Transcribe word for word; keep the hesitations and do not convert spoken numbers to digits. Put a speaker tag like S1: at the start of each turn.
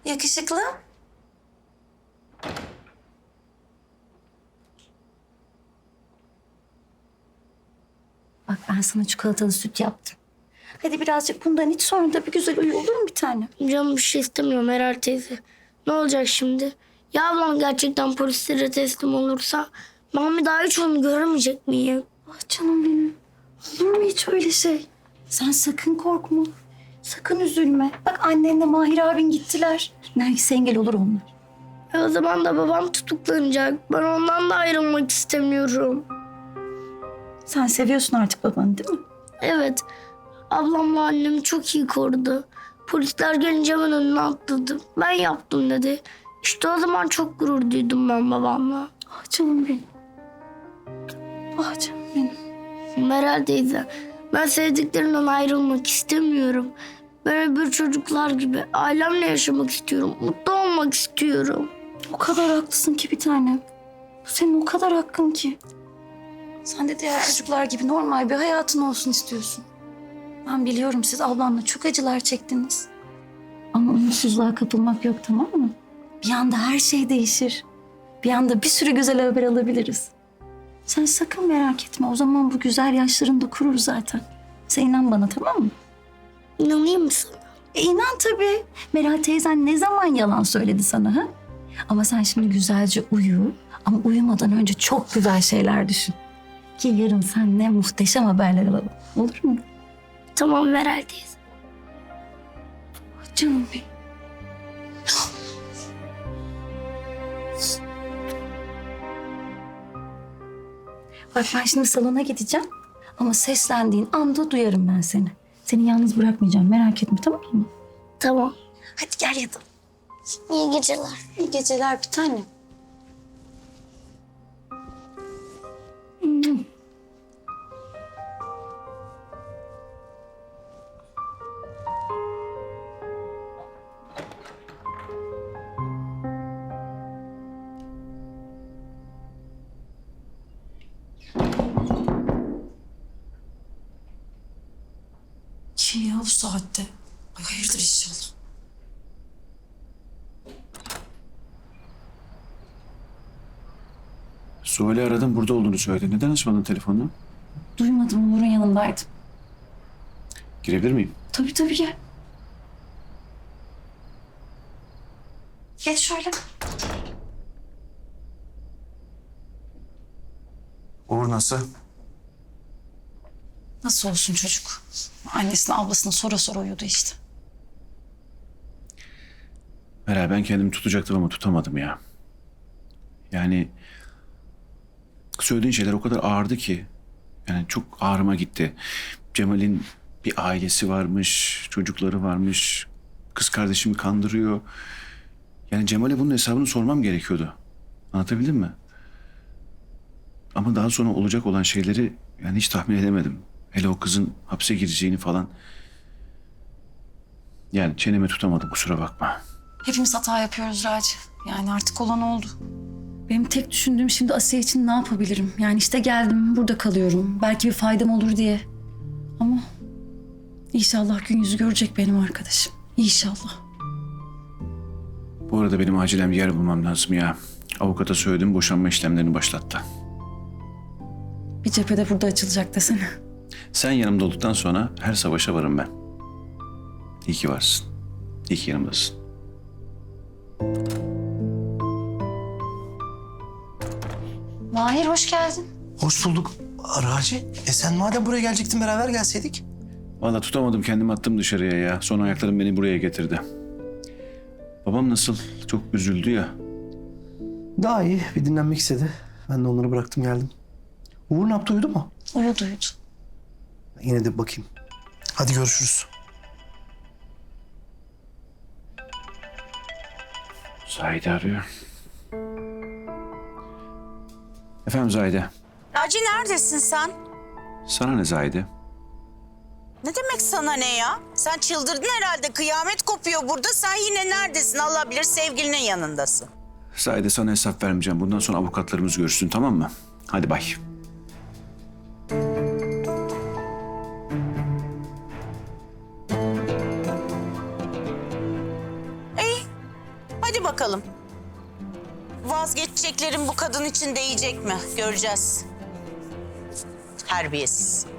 S1: Yakışıklı. Bak ben sana çikolatalı süt yaptım. Hadi birazcık bundan iç, sonra da bir güzel uyu, olur mu bir tane?
S2: Canım bir şey istemiyorum Meral teyze. Ne olacak şimdi? Ya ablam gerçekten polislere teslim olursa ben bir daha hiç onu göremeyecek miyim?
S1: Ah canım benim. Olur mu hiç öyle şey? Sen sakın korkma. Sakın üzülme. Bak annenle Mahir abin gittiler. Nergis engel olur onlar.
S2: E o zaman da babam tutuklanacak. Ben ondan da ayrılmak istemiyorum.
S1: Sen seviyorsun artık babanı, değil mi?
S2: Evet. Ablamla annem çok iyi korudu. Polisler gelince hemen önüne atladı. Ben yaptım dedi. İşte o zaman çok gurur duydum ben babamla.
S1: Ah canım benim. Ah canım benim.
S2: Meral teyze, ben sevdiklerimden ayrılmak istemiyorum. Ben öbür çocuklar gibi ailemle yaşamak istiyorum. Mutlu olmak istiyorum.
S1: O kadar haklısın ki bir tanem. Bu senin o kadar hakkın ki. Sen de diğer çocuklar gibi normal bir hayatın olsun istiyorsun. Ben biliyorum, siz ablanla çok acılar çektiniz. Ama umutsuzluğa kapılmak yok, tamam mı? Bir anda her şey değişir. Bir anda bir sürü güzel haber alabiliriz. Sen sakın merak etme. O zaman bu güzel yaşların da kurur zaten. Sen inan bana, tamam mı?
S2: İnanayım mı sana?
S1: E inan tabii. Meral teyzen ne zaman yalan söyledi sana, ha? Ama sen şimdi güzelce uyu. Ama uyumadan önce çok güzel şeyler düşün. Ki yarın seninle muhteşem haberler alalım. Olur mu?
S2: Tamam Meral teyze.
S1: Canım benim. Bak ben şimdi salona gideceğim. Ama seslendiğin anda duyarım ben seni. Seni yalnız bırakmayacağım, merak etme, tamam mı?
S2: Tamam.
S1: Hadi gel yatalım.
S2: İyi geceler.
S1: İyi geceler bir tanem.
S3: Kim ya bu saatte? Ay hayırdır inşallah.
S4: Suhal'i aradım, burada olduğunu söyledi. Neden açmadın telefonunu?
S1: Duymadım, Onur'un yanındaydım.
S4: Girebilir miyim?
S1: Tabii tabii gel. Geç şöyle.
S4: Uğur nasıl?
S3: Nasıl olsun çocuk? Annesine ablasına sora sora uyudu işte.
S4: Meral, ben kendimi tutacaktım ama tutamadım ya. Yani söylediğin şeyler o kadar ağırdı ki. Yani çok ağrıma gitti. Cemal'in bir ailesi varmış, çocukları varmış. Kız kardeşimi kandırıyor. Yani Cemal'e bunun hesabını sormam gerekiyordu. Anlatabildim mi? Ama daha sonra olacak olan şeyleri yani hiç tahmin edemedim. Hele o kızın hapse gireceğini falan. Yani çenemi tutamadım, kusura bakma.
S3: Hepimiz hata yapıyoruz Raci. Yani artık olan oldu.
S1: Benim tek düşündüğüm şimdi Asiye için ne yapabilirim? Yani işte geldim, burada kalıyorum. Belki bir faydam olur diye. Ama inşallah gün yüzü görecek benim arkadaşım. İnşallah.
S4: Bu arada benim acilen bir yer bulmam lazım ya. Avukata söyledim, boşanma işlemlerini başlattı.
S1: Bir cephede burada açılacak desene.
S4: Sen yanımda olduktan sonra her savaşa varım ben. İyi ki varsın. İyi ki yanımdasın.
S1: Mahir hoş geldin.
S5: Hoş bulduk Raci. E sen madem buraya gelecektin beraber gelseydik.
S4: Vallahi tutamadım, kendimi attım dışarıya ya. Son ayaklarım beni buraya getirdi. Babam nasıl? Çok üzüldü ya.
S5: Daha iyi, bir dinlenmek istedi. Ben de onları bıraktım geldim. Uğur ne yaptı, uyudu mu?
S3: Uyudu uyudu.
S5: Yine de bir bakayım. Hadi görüşürüz.
S4: Zahide arıyor. Efendim Zahide.
S6: Naci neredesin sen?
S4: Sana ne Zahide?
S6: Ne demek sana ne ya? Sen çıldırdın herhalde. Kıyamet kopuyor burada. Sen yine neredesin? Allah bilir sevgilinin yanındasın.
S4: Zahide, sana hesap vermeyeceğim. Bundan sonra avukatlarımız görüşsün, tamam mı? Hadi bay.
S6: İyi. Hadi bakalım. Vazgeçeceklerin bu kadın için değecek mi? Göreceğiz. Terbiyesiz.